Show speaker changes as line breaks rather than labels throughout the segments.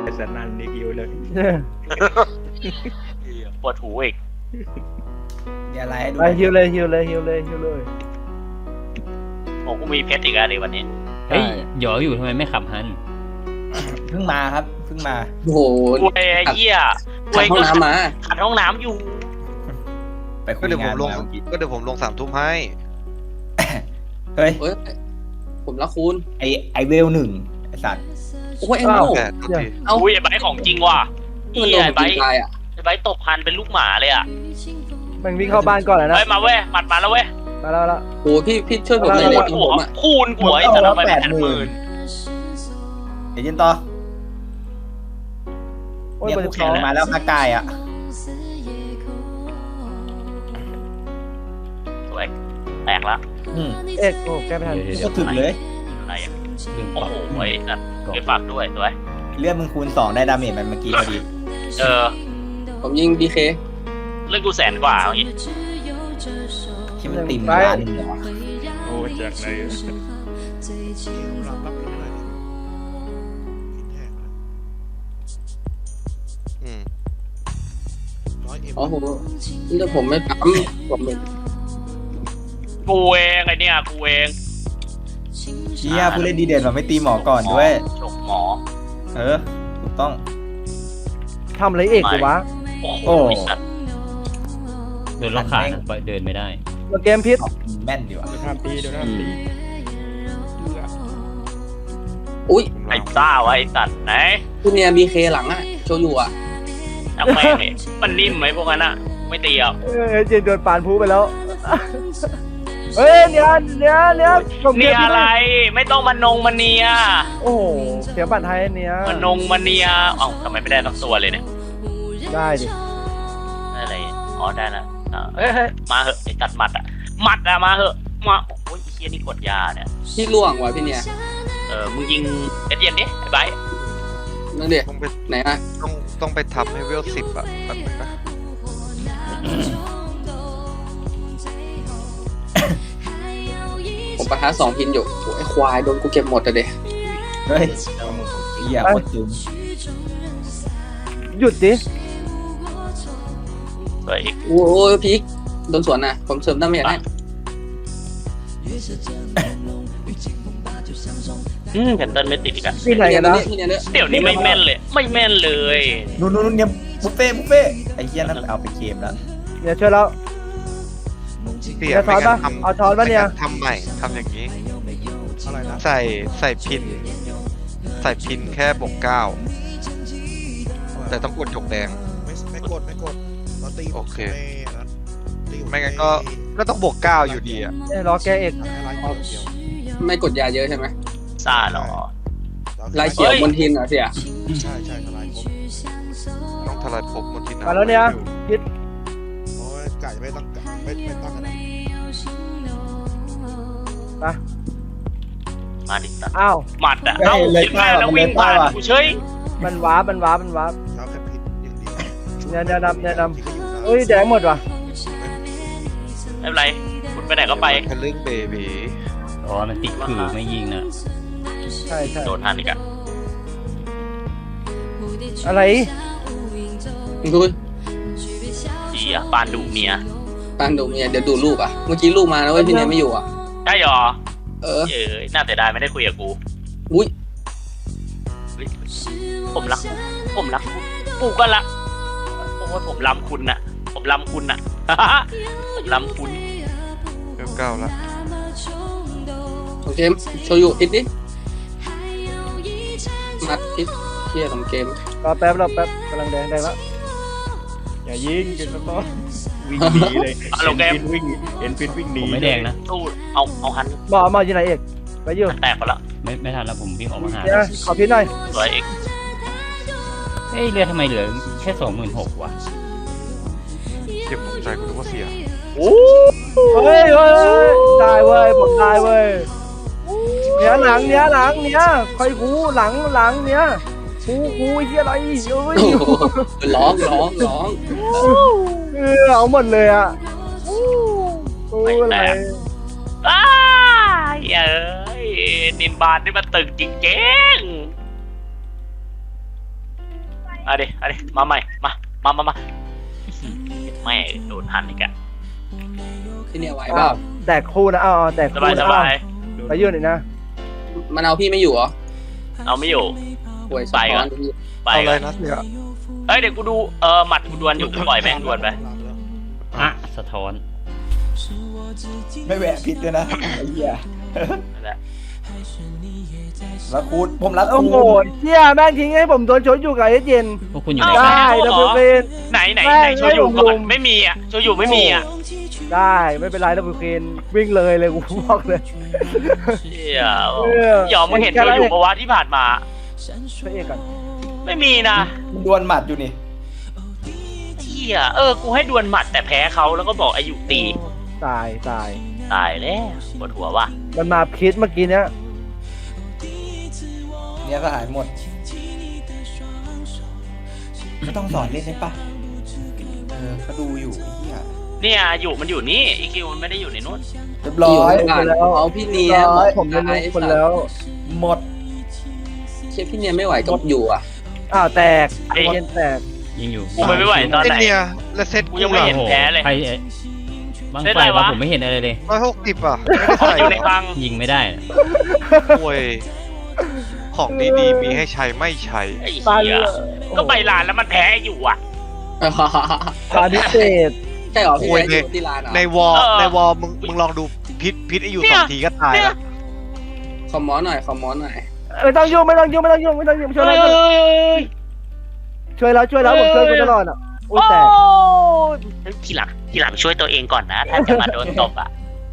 สนั่นนี่กิวเลย
ปวดหูอีก
อย่าไล่ให้ดู
ไปฮิวเลยฮิวเลยฮิวเลยฮิวเลย
ผมก็มีเพชรอีกแล้วดิวันนี้
เฮ้ยหยออยู่ทำไมไม่ขับฮัน
เพิ่งมาครับเพิ่งมา
โอ้โห
กูไอ้เหี้ย
ขัดห้องน้ำมา
ขัดห้องน้ำอยู่
ไปคุ
ก็
ย
เดี๋ยวผ
งาน
มลง
มาเมื่อกี้
ก็เดี๋ยวผมลง3 ทุ่มให้
เฮ้ย
เฮ้ยผมรักคุณ
ไอเวลหนึ่งไอสัตว์
โอ้ยไอ้โง่
แต่โทษที
เอ้า
อุ้ยไอ้ใบของจริงว่ะ
ที่มัน
เหี้
โด
ย
น
ไอ้
ผม
ใบ
กินตายอ่ะ
ไอ้ใบตบพันเป็นลูกหมาเลยอ่ะ
มันวิ่งเข้าบ้านก่อนแล้วนะ
เฮ้ยมาเว้ยหมัดมาแล้วเว้ย
มาแล้วแล้ว
โอ้พี่ช่วยผมหน่อย
คู
เลย
ณ
ตรง
หั
ผ
ว
มอ่ะ
คูณหัวไอ้แต่ทำไมเป็น80,000
เดี๋ยวยินต่อ
โอ้ย
เนี่ย
มัน
ผู้
จะ
แข่งมาแล้วภาคกายอ่ะ
สวยแตกละ
อืม
เอ็กโอ้แก้ไม่ทัน
ก็ถึงเลย
อะไรอ่ะ
ลืมป
โอ้
รับ
โหไอ้นั่นไปฝากด้วยสวย
เลือดมึงคูณ2ได้ดาเมจมันเมื่อกี้พอดี
เออ
ผมยิงBK
เรื่องกู100,000 กว่าอย่างงี้
ที่มันติ่มร้านหนึ่งเหรอ
โอ้จากไหน
อืม
อ๋อผมเลือดผมไม่ปั๊มผมเป็น
กูเองไอ้เนี่ยกูเอง
เชี่ยผู้เล่นดีเด่นเราไม่ตีหมอก่อนด้วย
ฉกหมอ
เออถูกต้อง
ทำอะไรเอกดีวะ
โอ้โห
โอ้
ไอ้สัตว์
โดนล็อกขานะเดินไม่ได้
เกมพิษ
แม่นดีว่ะ
เดี๋ยวทำตีเดี๋ยวทำตี
อุ้ย
ไอ้ซ่าวะไอ้สัตว์ไหน
คุณเนี่ยBK หลังอ่ะโชยุอ่ะ
จังแม่งเนี่ยมันนิ่มไหมพวกนั้นอ่ะไม่ตีอ่ะ
เจนโดนปานพูไปแล้วเฮ้ยเนี่ยผมเก
เนี่
ม
ย
พิษ
อะไรไม่ต้องมานงมาเนีย
โอ้โหเสียบัตรไทยเนี่ย
มานงมาเนียเอ้าทำไมไม่ได้ทั้งตัวเลยเนี่ย
ได้ดิ
ได้อะไรอ๋อได้นะเฮ้ยมาเหอะไอ้ตัดหมัดอ่ะหมัดอ่ะมาเหอะมาโอ้ยไอ้เฮียนี่กดยาเนี่ย
ที่ล่วงว่ะพี่เนี่ย
มึงยิงเอสเย็นดิไอ้ไบร์ท
นั่นเด็ก
ต้องไป
ไหนอ่ะ
ต้องไปทำให้เวล10อ่ะแป๊บนึงนะ
ผมประทัด2 พินอยู่โอ้ยไอ้ควายโดนกูเก็บหมดอะเด็ก
เฮ้ยเหี้ยโคตรตึง
หยุดดิ
สวยอีก
โอ้ยพีกโดนสวนนะผมเสริมดาเมจให้
แคนเซิลไม่ติดอีกอ่ะ
ที่ไหนกันนะ
พี่เนี่ยเนอะ
เดี๋ยวนี้ไม่แม่นเลยไม่แม่นเลย
นู่นเนี่ยบุฟเฟ่ไอ้เหี้ยนั่นเอาไปเคมแล้ว
เนี่ยช่วยแล้ว
เปลี่ยน
จะถอนปะ
ไม่งั้น
เอาถอนปะเนี่ย
ไม่งั้ทำใหม่ทำอย่างนี้ใส่พินแค่บวก9แต่ต้องกดหยกแดง
ไม่กดเราตี
โอเค
ตี
ไม่งั้นก็ต้องบวก9อยู่ดีอ่ะ
รอแก้เอก
ให้ลายเขียวเดียว
ไม่กดยาเยอะใช่ไหม
ซ่าหรอ
ลายเขียวบนทินเหรอเสีย
ใช่ทลายครบ
ต้องทลายภพมนทิน
มาแล้วเนี่ยพิษ
โอ้ยกะจะไม่ตั้งกันนะ
มาดิตัด
อ้าว
หมัดอ่ะเอ้าเห็นไหมแล้ววิ่งผ่านกูเฉย
มันว้าร์ป
เช้าแค่พิษอย่างเดียว
เนี่ยดำ
ที่ก็อยู่นะ
เอ้ยแดงหมดว่ะ
ไม่เป็นไรคุณไปไหนก็ไป
ทะลึ่งเบบี
อ๋อมันติดคือไม่ยิงนะ
ใช่
โดนทันอีกอ่ะ
อะไร
ดู
ดีอ่ะปานดูเมีย
ปานดูเมียเดี๋ยวดูลูกอ่ะ เมื่อกี้ลูกมาแล้วเว้ยพี่เนี่ยไม่อยู่อ่ะ
ได้หรอ
เออ
เอ้ยน่าแต่ได้ไม่ได้คุยกับกู
อุ้ย
ผมรักกูก็รักโอ้ยผมล้ำคุณน่ะผมล้ำคุณ ผมล้ำคุณ
เวล9แล้ว
ของเกมโชยุพิษดิมัดพิษเที่ยของเกม
รอแป๊บกำลังแดงแล้ว
อย่ายิงกันแล้วก็วิ่งหนีเลย
เอาลงเกม
เห็นฟินวิ่งหนี
ผมไม่แดงนะ
สู้เอาหัน
หมออยู่ไหนเอกไปอยู่
แตกไปละ
ไม่ทันแล้วผมวิ่งออกมาหา
เนี่ยขอพิษหน่อย
สวยอีก
เฮ้ยเรือทำไมเหลือแค่26,000วะ
เจ็บตกใจกูนึกว่าเสีย
โอ้
เฮ้ยได้เว้ยผมได้เว้ยเนี่ยหลังคอยกูหลังเนี่ยกูเฮียอะไรเอ้ย
โอ้โหร้อง
เอาหมดเลยอ่ะโอ้ยอะไร
อ้าเอ้ยนินบานนี่มันตึงจริงเอาดิมาใหม่มาไม่โดนหันอีกอะ
พี่เนี่ยไหวเปล่า
แตกคู่นะแตก
ส
คู่
บาย
นะไปยื่นอีกนะ
มันเอาพี่ไม่อยู่เหรอ
เอาไม่อยู่
ป่วย
ไปก่อน ไป
เอาเล
ก่อย น
นะเสีย
เฮ้ยเดี๋ยวกูดูหมัดกูดวลอยู่ปล่อยแม่งดวลไป
อ่ะสะท้อน
ไม่แหวะพิษด้วยนะไอ้เหี้ย
นั่นแหละ
รักคูดผมรัก
โอ้
คู
โหเชี่ยแม่งทิ้งให้ผมโดนชนอยู่กับไอ้เย็น
พวกคุณอยู่ไหน
ได้
กัน
ดับเบิลเคน
ไหนโชยุก่อนไม่มีอ่ะโชยุไม่มีอ่ะ
ได้ไม่เป็นไรดับเบิลเคนวิ่งเลยกูบอกเลย
เชี่ยหยอมมึงเห็นโชยุปะวะที่ผ่านมา
พระเอกก่อน
ไม่มีนะ
มันดวลหมัดอยู่นี่
เชี่ยกูให้ดวลหมัดแต่แพ้เขาแล้วก็บอกอายุตี
ตาย
ตายแล้วปวดหัวว่ะ
มันมาพิษเมื่อกี้เนี้ย
เนี่ยสหายหมดไม่ต้องสอนเล่นได้ปะเขาดูอยู่ไอ้เหี้ย
เนี่ยอยู่มันอยู่นี่อีคิวมันไม่ได้อยู่ในนู้น
เรียบร้อย
ผ่านเอาพี่เนีย
ผมเป็นคนแล้ว
หมด
เชฟพี่เนียไม่ไหวก็อยู่อ่ะ
แตกเย็นแตก
ยิงอยู่
กูไม่ไหวตอน
ไอ
ไหน
เนี่ยและเซ็ต
กูยังไม่เห็น
โอ้โห
แพ้เลย
ใครบาง
เล่น
ไฟ
อะไรวะ
วะผมไม่เห็นอะไรเลย
160อ่ะไม่ได้ใส่
อยู่ในคลัง
ยิงไม่ได้นะ
โอ้ยของดีๆมีให้ใช้ไม่ใช้
ไอ้เหี้ยก็ไปร้านแล้วมันแพ้อยู่อ่ะ
พาดิเศษ
ใช่เหรอพี่เนียอยู่ที่ร้านเหรอ
ในวอลมึงลองดูพิษไออยู่
เนี่ย
2 ทีก็ตายแล้ว
ขอหมอหน่อย
ไม่ต้องยุ่งช่วยแล้วช่วยแล้วผมช่วยคุณตลอดโอ้ยแตก
ทีหลังช่วยตัวเองก่อนนะถ้าจะมาโดนตบอ่ะ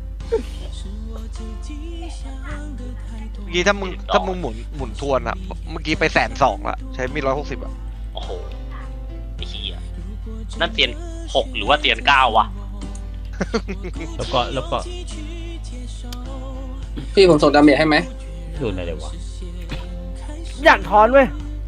เมื่อกี้ถ้ามึงหมุนทวนอ่ะเมื่อกี้ไป120,000ละใช้มี160อ่ะ
โอ้โหไอ้เหี้ยนั่นเตียน6หรือว่าเตียน9วะ
แล้วก็
พี่ผมส่งดาเมจให้ไหม
โดนอะไรเลยวะ
อยากถอนเว้ย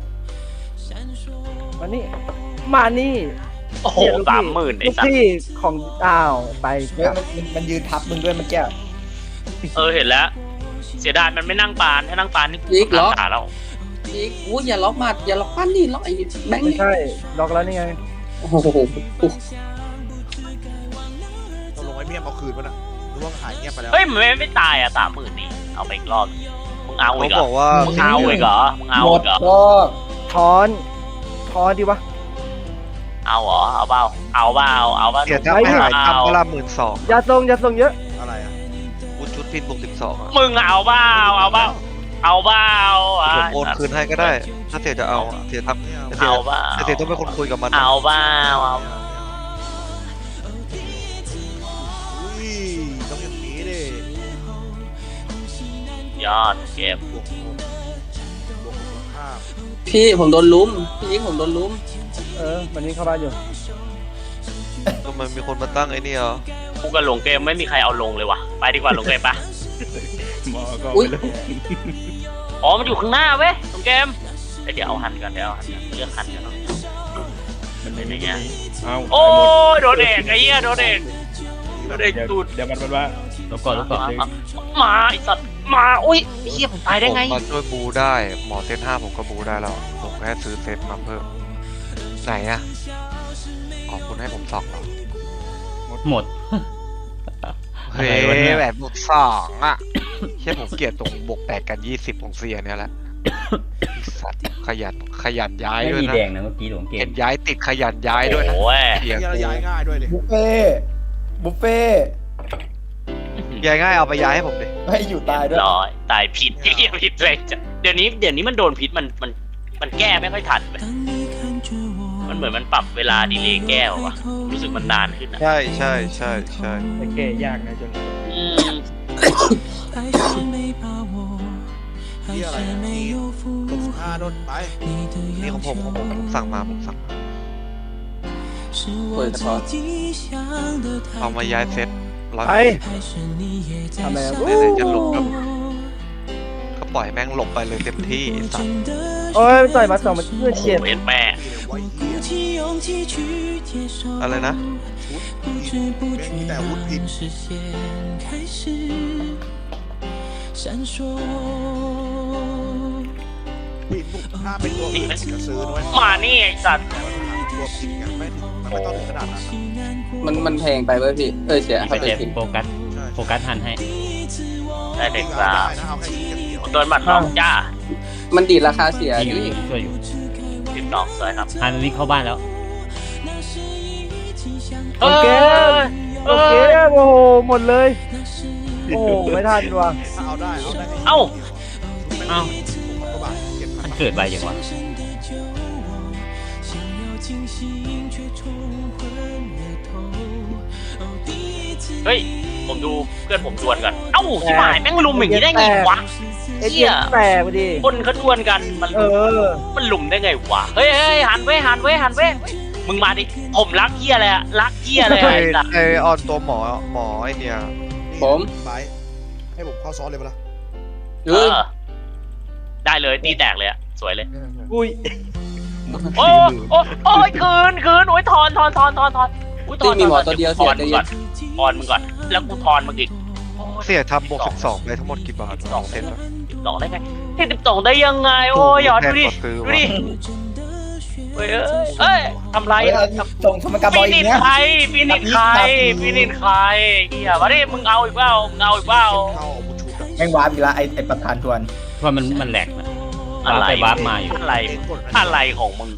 มานี่
โอ้โห30,000ไอ้
ลูก
สัส
พี่ของไป
เฮ้ยมันยืนทับมึงด้วยเมันแก้
เห็นแล้ว เสียดายมันไม่นั่งปานถ้านั่งปานนี่
อีกเหรอ
ตาเรา
อีกอู้อย่าล็อกมัดอย่าล็อกปั้นนี่ล็อกไอ้แบงค์
ไม่
นี่
ใช่ล็อกแล้วนี่ไง
โอ้โห
เราลงไอ้เมี่ยมเอาคืนมันอ่ะหรือว่าหายเงียบไปแล้ว
เฮ้ยมันไม่ตายอ่ะ30,000นี่เอาไปอีกรอบมึงเอา
เขา
อีกเหร
บ
อ
อกว่า
มึงเอาอีกเหรอมึงเอา
หม
อี
ด
กเหรอ
ก็
ถอนดีวะ
เอาเหรอเอาเปล่าเอาเปล่าเอาเปล่า
เสียถ้าไม่หายทำเวลา12,000
อย่าส่งเยอะ
อะไรอ่ะ
กูชุดพินบวก12อ่ะ
มึงเอาเปล่าเอาเปล่าอ่ะ
ผมโอนคืนให้ก็ได้ ถ้าเสียจะเอาเสียทำ
เอาเปล่า
เสียต้องเป็นคนคุยกับมัน
เอาเปล่าเอา
อุ้ยต้องอย่างนี้ดิ
ยอดเกม
บวก5
พี่ผมโดนลุ้มพี่ยิงผมโดนลุ้ม
วันนี้เข้าบ้านอยู่
ทำไมมีคนมาตั้งไอ้นี่เหรอ
กูกับหลงเกมไม่มีใครเอาลงเลยว่ะไปดีกว่าหลงเกมปะ
หมอก็
อุ้ย
ไม่รู้
อ๋อมันอยู่ข้างหน้าเว้ยหลงเกมเดี๋ยวเอาหันก่อนเลือกหันกันเนาะ
มัน
เป็
ไม่
น
มี
ยังไง
เอา
โอ้ยโดนเอกไอ้เหี้ยโดนเอกตูด
เดี๋ยวมันว่า
แล้วก็
มาไอ้สัตว์มาอุ้ยไอ้เหี้ยผมตายได้ไง
ผมมาช่วยบูได้หมอเซต5ผมก็บูได้แล้วผมแค่ซื้อเซตมาเพิ่มไหนอะอ๋อคุณให้ผม2เหรอ
หมด
เฮ้ย
อะไรวะเนี่ย
แบบบวก2อ่ะแค่ผมเกลียดตรงบวก8กัน20ของเสียเนี่ยแหละสัตว์ขยันย้าย
ไม่
ด้วย
มี
นะ
แดงนะเมื่อกี้หลวงเก
เห็
ม
นย้ายติดขยันย้ายด้วยนะ
โอ้ย
เสีย
ย้าย
กู
ย้ายง่ายด้วยดิ
บุฟเฟ่ต์
ย้ายง่ายเอาไปย้ายให้ผมดิ
ให้อยู่ตายด้วย
ร้อยตายผิดไอ้เหี้ยผิดเลยจ้ะเดี๋ยวนี้มันโดนพิษมันแก้ไม่ค่อยทันเลยมันเหมือนมันปรับเวลาดีเลย์แก้วะรู้สึกมันนานขึ้นอะ
ใช่
แต่แก้ยากนะจน
อืม
ที่อะไรอ่ะนี่ลง15โดนไป
นี่ของผมสั่งมาผมสั่งมา
เปิดเฉพาะ
เอามาย้ายเซตร้อย
ไปทำอะไร
ไหนๆจะหลบก็ปล่อยแม่งหลบไปเลยเต็มที่สัตว์
โอ้ยต่อยมา2มันเพื่อ
โอ้โห
เจ็บ
เห็นแม่
ไว้เหี้ย
อะไรนะ
มีแต่วุฒิพิน
พ
พี่ถ้าเป็นตัวอื่นจะซื้อด้วย
มานี่ไอ้สัตว์
ตัวจริงอ่ะไม่ถึงมันไม่ต้องถึงขนาดนั้นนะ
มันแพงไปเว้ยพี่เสีย
ไป
เข้าใจ
เจ็บ
ผิด
โฟกัส
ใช่
โฟกัสหันให้
ได้เด็ก
เอา
สา
ได้นะเอาแค่ชิ้นเดียว
โดนหมัดน้องจ้า
มันดีดราคาเสีย
อยู่
พี่
ช่วยอยู่
12สวยครับ
หันมันวิ่งเข้าบ้านแล้ว
โอเคโอเคโอ้โหหมดเลยโอ้โหไม่ทันว่ะ
ถ้าเอาได้เอาได้
เอ้า
เอ้า
6,000 กว่าบาท7,000
มันเกิดไวจังวะ
เฮ้ยผมดูเพื่อนผมดวลกันเอ้าชิบหายแม่งลุมอย่างนี้ได้ไงวะ
เอ็นเอ็นแตกไปดิ
คนเขาดวลกันมัน
เออ
มันลุมได้ไงวะเฮ้ยหันเว้ยมึงมาดิผมรักเหี้ยเลยอะรักเหี้ยเลย
ไอ
ไอ้สัตว์
ไอออนตัวหมอไอเนี่ย
ผม
ไปให้ผมเข้าซ้อนเลยปะล่ะ
เออได้เลยตีแตกเลยอะสวยเลย
อุ้ย
โอ้ยคืนโอ้ยทอนอุ๊ย
ที่มีหมอตัวเดียว
ท
เสี
อย น
ใจ
มึง
เย็
ก่อน นทอนมึงก่อนแล้วกูทอนมึงอีก
เสียทำบวก12ไปทั้งหมดกี่บาท
12
เซ็นแล้ว
12ได้ไง12ได้ยังไงโอ้ยหยอดดูดิ
แพงกว่าซื้อ
ดู
วะ
ดิเฮ้ยทำไร
ส่งสมการบอ
ปี
ลอี
นิ
ก
น
เนี้ย
ใครเฮียมาดิมึงเอาอีกเปล่า
เข้าเอาบุชูกับ
แม่งวาร์ปอีกละไอประธานทวน
เพราะมันแหลกนะ
อะไร
ไปวาร์ปมาอยู่
อะไรของมึง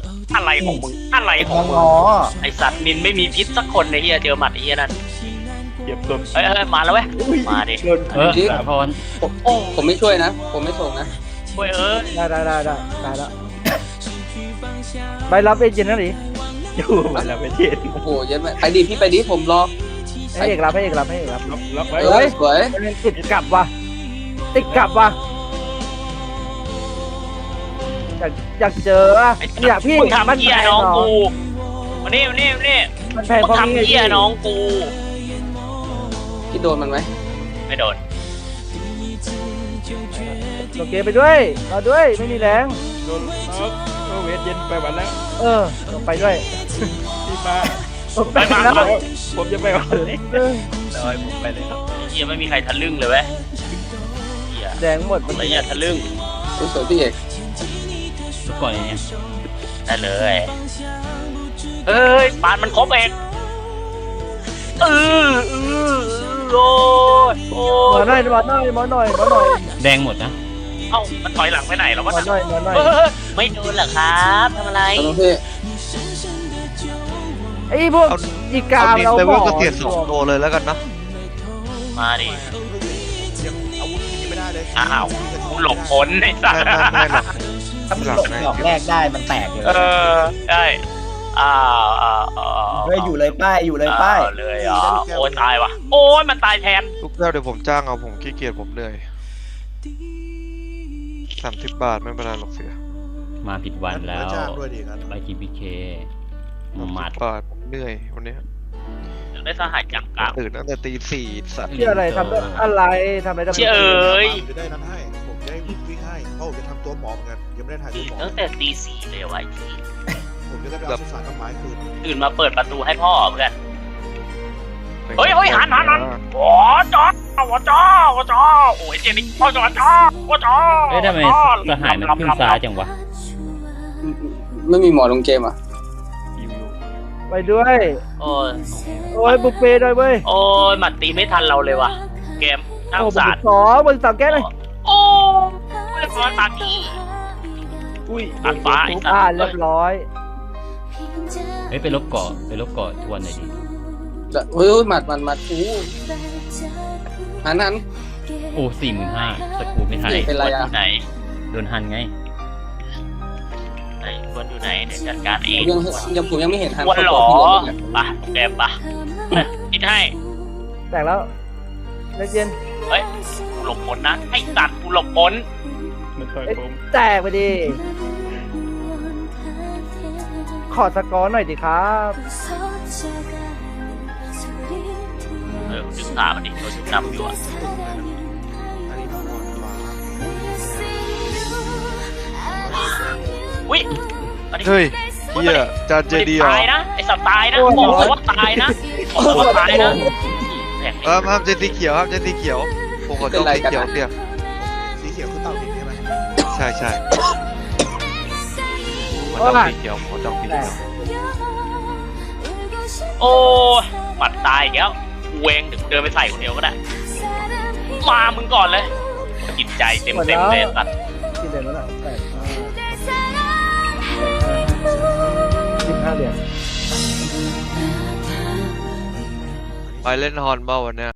ไอสัตว์นินไม่มีพิษสักคนในเฮียเจอหมัดไอ้เฮียนั่น
เก็บต้น
เฮ้ยมาแล้วเว้ยมาดิ
โดน
สะท้อน
ผมไม่ช่วยนะ ผมไม่ส่งนะ
เฮ้ย
ได้แล้วไปรับเอ็นเอ็นนั่นดิ
อยู่มาแล้วไปเทศ
โอ้โหเยอะไหมไปดิพี่ไปดิผมรอ
ให้เอกรับ
ล็อกไว้
เฮ้ยสวย
ติดกลับว่ะอยากเจออ่ะเนี่ยพี่
มึงทำเฮียน้องกูมานี่
มันแพง
มึง
เพราะ
ทำ
นี่
เฮียน้องกู
พี่โดนมันไหม
ไม่โดน
โอเคไปด้วยรอด้วยไม่มีแรง
โดนล็อกเวทเย็นไปวันแล้ว
ลงไปด้วย
พี่มา
ไปแล้ว
ผมจะไปวันเลยเลยผมไปเลยครับ
เฮียไม่มีใครทะลึ่งเลยเว้ยเฮีย
แดงหมด
อะไรเงี้ยทะลึ่ง
สวยพี่เอก
ทุกก่อนเนี่ย
ได้เลยเฮ้ยปานมันครบเองโอ้ย
หมอหน่อย
แดงหมดนะ
เอ้ามันถอยหลังไปไหนแล้ว
หม
วะ
อหน่อย
ไม่โดนเหรอครับทำอะไร
ตอนพี่
ไอ้พวกอีกา
เอานิน
เรา
ไป
บ
เว่า
อก
ก็เสีย2ตัวเลยแล้วกันนะ
มาดิ
ยังอาวุธยังไม่ได้เลย
อ้าวกูหลบพ้นไอ้สัส
ไม่หรอก
ถ้ามันหลบดอกแรกได้มันแตกอยู่
ได้อ้าว
เฮ้ยอยู่เลยป้าย
เลยโอ้ยตายว่ะโอ้ยมันตายแทน
ทุกเจ้าเดี๋ยวผมจ้างเอาผมขี้เกียจผมเหนื่อย30 บาทไม่เป็นไรหรอกเสีย
มาผิดวันแล้ว
จ้างด้วยดีกัน
ไปทีพีเคมาด
30 บาทผมเหนื่อยวันนี้
ได้สหายจับกลาง
ตื่นตั้งแต่ตี 4สัตว์
ที่อะไรทำอะไร
เชี่ยเอ้ย
ผมจะได้นั้นให้ผมจะได้วิ่งให้เพราะผมจะทำตัวหมอเหมือนกันยังไม่ได้ถ่ายตัวหมอ
ตั้งแต่ตี 4เลยว่ะ
ผมจะได้ไปเอาสุสานต้นไม้คืน
ตื่นมาเปิดประตูให้พ่อเพื่อน เฮ้ยหันโอ้จ้าโอ้ยเจนิพ่อจ้า
เอ้ยทำไมสหายมันขึ้นซ้ายจังวะ
ไม่มีหมอลงเกมอ่ะ
ไปด้วย
โอ้ย
โอ้ยบุฟเฟ่ด้วยเว้ย
โอ้ยหมัดตีไม่ทันเราเลยว่ะเกมน่าสงสาร
บน2แก้เลย
โอ้ยร้อนตาดี
อุ้ย
ตัดฟ้าไอ้สัส
เรียบร้อย
เฮ้ยไปลบเกาะทวนหน่อยดิ
เฮ้ยหมัดอู้หัน
โอ้45,000สกูไม่ทัน
เป็นไรอ่ะ
ไหน
โดนหันไง
ไอ้คนอยู่ไหนเดี๋ยวจัดการเอง
ผมยังไม่เห็นหัน
วันหรอ
พี่เลยเนี่ย
ปะแกมปะคิดให้
แตกแล้วเย็น
เฮ้ยกูหลบพ้นนะไอ้สัตว์กูหลบพ้น
มันต่อยผม
แตกไปดิ ขอสกอร์หน่อยดิครับ
ดึงขามันดิเราดึงนำอยู่อ่ะ
อันนี้ต้องนอนขวา
อุ้ยอันนี้
เฮ้ยเฮียจานเจดีเหรอ
ตายนะไอ้สัตว์ตายนะบอกเลยว่าตายนะบอกว่าตายนะ
ห้ามเจนสีเขียวห้ามเจนสีเขียวผมขอต้องสีเขียวเตี้ย
สีเขียวคือเต่าดินใช่ไหม
ใช่จองสีเขียวหมอจองสีเขียว
โอ้ยหมัดตายอีกแล้วกูเองเดี๋ยวกูเดินไปใส่คนเดียวก็ได้ มามึงก่อนเลย จิตใจเต็มเลยสัตว์
กี่เหรียญแล้วนะ15 เหรียญ
ไปเล่นฮอนเบ้าวันเนี้ย